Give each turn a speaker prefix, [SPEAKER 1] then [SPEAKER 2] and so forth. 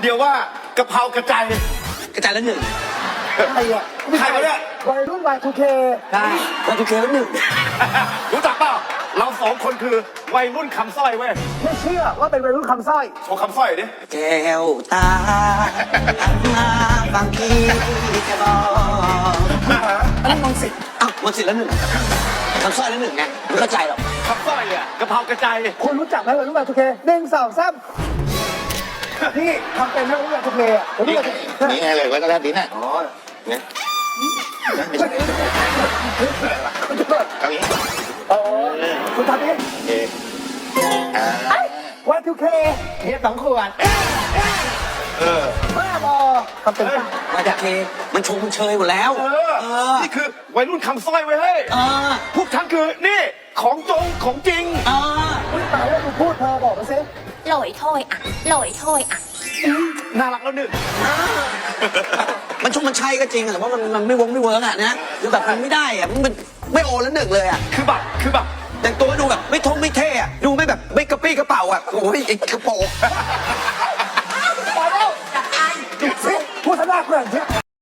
[SPEAKER 1] เดียวว่ากะเพรากระจาย
[SPEAKER 2] กระจายแล้วหนึ่ง
[SPEAKER 3] ใครอ่ะ
[SPEAKER 1] ใครวะเนี่ย
[SPEAKER 3] วัยรุ่น Y2K
[SPEAKER 2] ใช่แล้วทุกเคแล้วหนึ่ง
[SPEAKER 1] รู้จักเปล่าเราสองคนคือวัยรุ่นคำสร้อยเว้ย
[SPEAKER 3] ไม่เชื่อว่าเป็นวัยรุ่นคำสร้อย
[SPEAKER 1] โชว์คำสร้อยดิ
[SPEAKER 2] แก้วตาหันมาบางทีจะบอก
[SPEAKER 3] อันนั้นมองสิ
[SPEAKER 2] อ้าวมันสิแล้วหนึ่งทำสร้อยแล้วหนึ่งไงไม่เข้าใจหรอก
[SPEAKER 1] คำสร้อยเนี่ยกะเพรากระจาย
[SPEAKER 3] คุณรู้จักไหมวัยรุ่น Y2K 1 2 3นี่ทำเป็นไหมวัยรุ่น Y2K อ่ะวัยรุ่น Y2K
[SPEAKER 4] นี่ไงเลยแล้วก็แล้วดีน่ะ
[SPEAKER 1] อ๋อเนี่ย
[SPEAKER 4] ไม่ใช่เอาอย่างนี้
[SPEAKER 3] อ๋อคุณทำเอง
[SPEAKER 4] เอ๊ะอ่า
[SPEAKER 3] Y2K
[SPEAKER 4] เฮีย2 ขวด
[SPEAKER 3] บ้าบอทำเป็นป่ะ
[SPEAKER 2] มาจากเคมันชงมันเชยหมดแล้ว
[SPEAKER 1] นี่คือวัยรุ่นคำสร้อยเว้ยเฮ้ย
[SPEAKER 2] เออ
[SPEAKER 1] พวกฉันคือนี่ของจงของจริง
[SPEAKER 2] เออ
[SPEAKER 3] อุ๊ยตายแล้วดูพูดเธอบอกมาสิ
[SPEAKER 5] หลอยถ้อยอ่ะหลอยถ้อยอ่ะ
[SPEAKER 1] น่ารักแล้วหนึ่ง
[SPEAKER 2] มันชงมันชัยก็จริงอะแต่ว่ามันไม่เวิร์กอะนะคือแบบมันไม่ได้อะมันไม่โอแล้วหนึ่งเลยอะ
[SPEAKER 1] คือแบบ
[SPEAKER 2] แต่งตัวดูแบบไม่ไม่เท่อะดูไม่แบบไม่กระปี้กระเป๋าอะโอ้ยไอ้กระโปรง
[SPEAKER 3] ตายแล้วดูสิพูดซะน่าเกลียดเชียว